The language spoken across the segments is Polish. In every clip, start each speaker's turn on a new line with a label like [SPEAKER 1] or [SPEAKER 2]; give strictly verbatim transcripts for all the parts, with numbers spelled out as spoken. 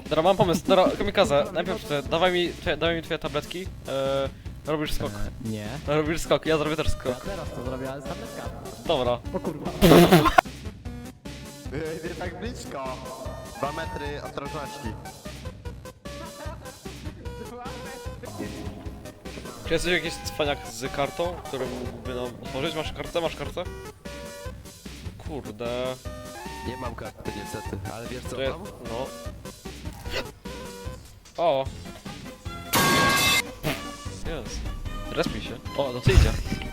[SPEAKER 1] Dobra, mam pomysł. Dobra, kamikaze, najpierw ty, dawaj mi, twoje, dawaj mi twoje tabletki. Eee, robisz skok.
[SPEAKER 2] Eee, nie.
[SPEAKER 1] Robisz skok, ja zrobię też
[SPEAKER 2] Ja
[SPEAKER 1] skok.
[SPEAKER 2] teraz to zrobię, ale z tabletkami.
[SPEAKER 1] Dobra.
[SPEAKER 2] O kurwa.
[SPEAKER 3] Nie tak blisko. Dwa metry ostrożności.
[SPEAKER 1] Czy jesteś jakiś cwaniak z kartą, który mógłby nam otworzyć? Masz kartę? Masz kartę? Kurde.
[SPEAKER 3] Nie mam karty niestety, ale wiesz co
[SPEAKER 1] To ja,
[SPEAKER 3] mam?
[SPEAKER 1] no. O. Jest. Respi się. O, no to idzie.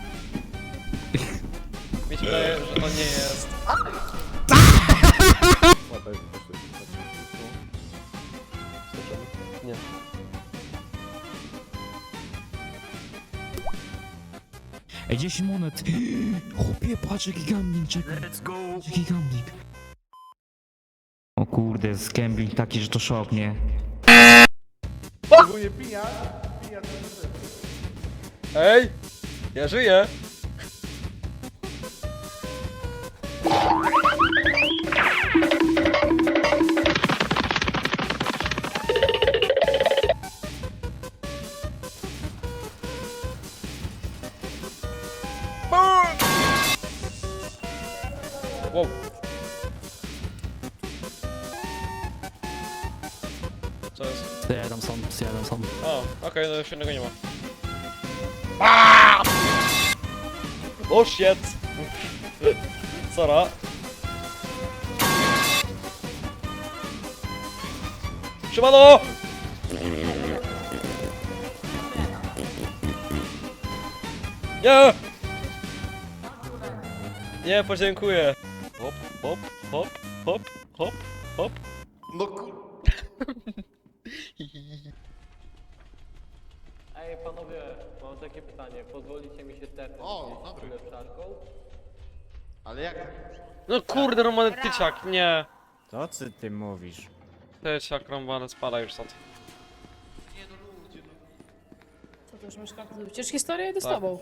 [SPEAKER 1] Mi się wydaje, że to nie jest... Nie.
[SPEAKER 4] Ej, dziesięć monet! Chłopie, patrz jaki gambling, czekaj. Let's go! Jaki gambling. O kurde, jest gambling taki, że to szok, nie?
[SPEAKER 1] Ej! Ja żyję! Wow. Co jest?
[SPEAKER 2] Zjadam sam, zjadam sam.
[SPEAKER 1] A, okej, no już innego nie ma. O shit! Sora. Siemano! Nie! Nie, podziękuję. Hop, hop, hop, hop, hop, hop.
[SPEAKER 3] No kur...
[SPEAKER 5] Ej panowie, mam takie pytanie, pozwolicie mi się tepnąć
[SPEAKER 3] O, dobry.
[SPEAKER 5] ulepszarką?
[SPEAKER 3] Ale jak?
[SPEAKER 1] No kurde, Romany tyciak, nie.
[SPEAKER 2] Co ty ty mówisz?
[SPEAKER 1] Tyciak, Romany, spada już stąd.
[SPEAKER 6] Co to już masz kartę do wycieczki? Historia idę z
[SPEAKER 1] Tak.
[SPEAKER 6] tobą.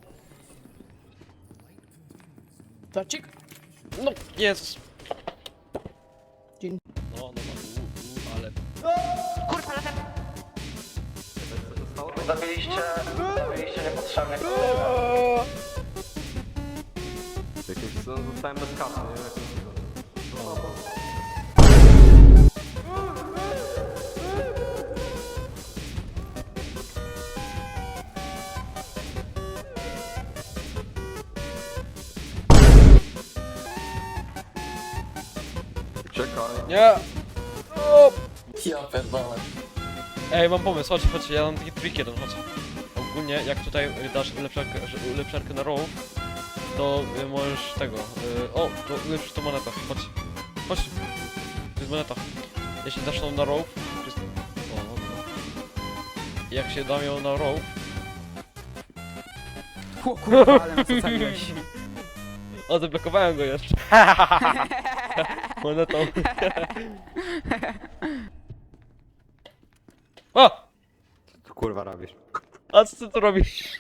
[SPEAKER 6] Torcik?
[SPEAKER 1] No, Jezus.
[SPEAKER 6] Dzień.
[SPEAKER 1] No, no, no, u, u, ale...
[SPEAKER 7] Zabiliście, zabiliście niepotrzebnie.
[SPEAKER 5] Jakieś co, zostałem bez kasy, nie?
[SPEAKER 3] Czekaj.
[SPEAKER 1] Nie! O!
[SPEAKER 7] Ja pierdolę.
[SPEAKER 1] Ej, mam pomysł, chodź, chodź, ja mam taki trik jeden, chodź. Ogólnie, jak tutaj dasz ulepszarkę, że- ulepszarkę na row, to y, możesz tego... Y, o, to ulepszysz tą monetę, chodź. Chodź. To jest moneta. Jeśli dasz ją na row... to jest- O, no, no. Jak się dam ją na row...
[SPEAKER 2] O kurwa, ale nas ocaliłeś.
[SPEAKER 1] O, zablokowałem go jeszcze. Monetą. O!
[SPEAKER 3] Co tu kurwa robisz?
[SPEAKER 1] A co ty tu robisz?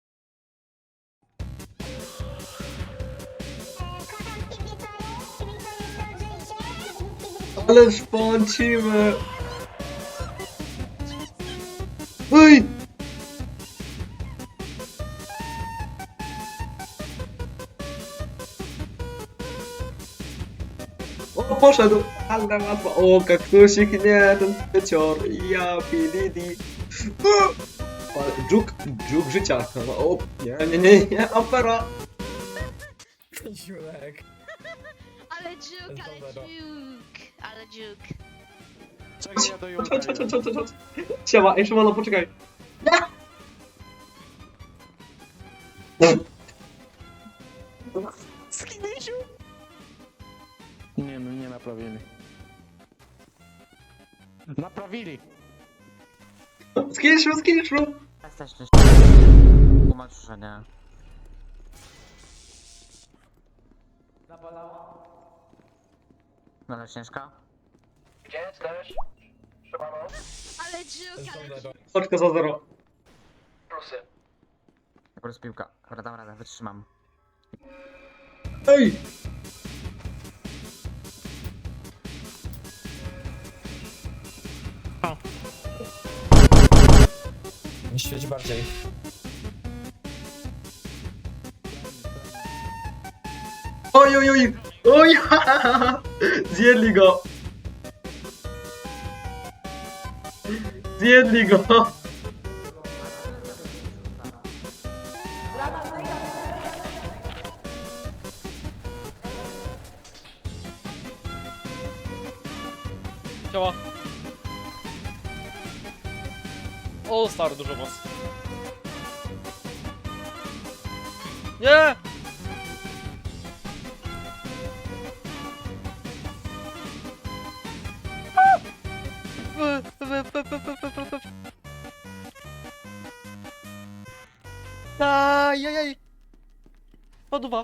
[SPEAKER 8] Ale szpącimy! Oj! O, poszedł! Ale łatwo! O, kaktusik, nie, ten pycior! Ja, pididi! Dżuk, dżuk życia! O, nie, nie, nie, nie, opera!
[SPEAKER 2] Siulek.
[SPEAKER 9] Ale dżuk, ale dżuk, ale dżuk.
[SPEAKER 3] Czekaj, ja do
[SPEAKER 8] Chodź, chodź, chodź, chodź, chodź, chodź. Siema, ej, Szymano, poczekaj!
[SPEAKER 2] Nie no, nie naprawili. Naprawili!
[SPEAKER 8] Skilszu, skilszu!
[SPEAKER 7] Jesteś tłumacz, że nie. No ale ciężka? Gdzie jesteś? Szymano?
[SPEAKER 9] Ale dżuk, ale dżuk.
[SPEAKER 8] Soczka za zero.
[SPEAKER 7] Plusy. Dobra, jest piłka. Dobra, dam radę, wytrzymam.
[SPEAKER 8] Ej!
[SPEAKER 2] Świeć bardziej.
[SPEAKER 8] Oj, oj, oj! Oj! Zjedli go! Zjedli go!
[SPEAKER 1] Ciała. O, stary, dużo was. Nie! Ajajaj! Paduwa!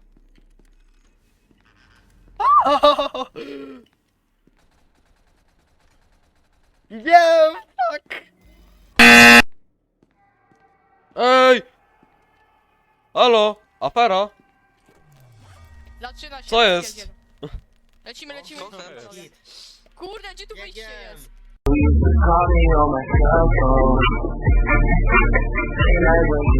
[SPEAKER 1] Nie, fuck! Ej! Halo? Afera?
[SPEAKER 9] Zaczyna się.
[SPEAKER 1] Co jest?
[SPEAKER 9] pierdziel. Lecimy, lecimy. Kurde, gdzie tu wyjście jest?
[SPEAKER 10] Call me on my cell phone.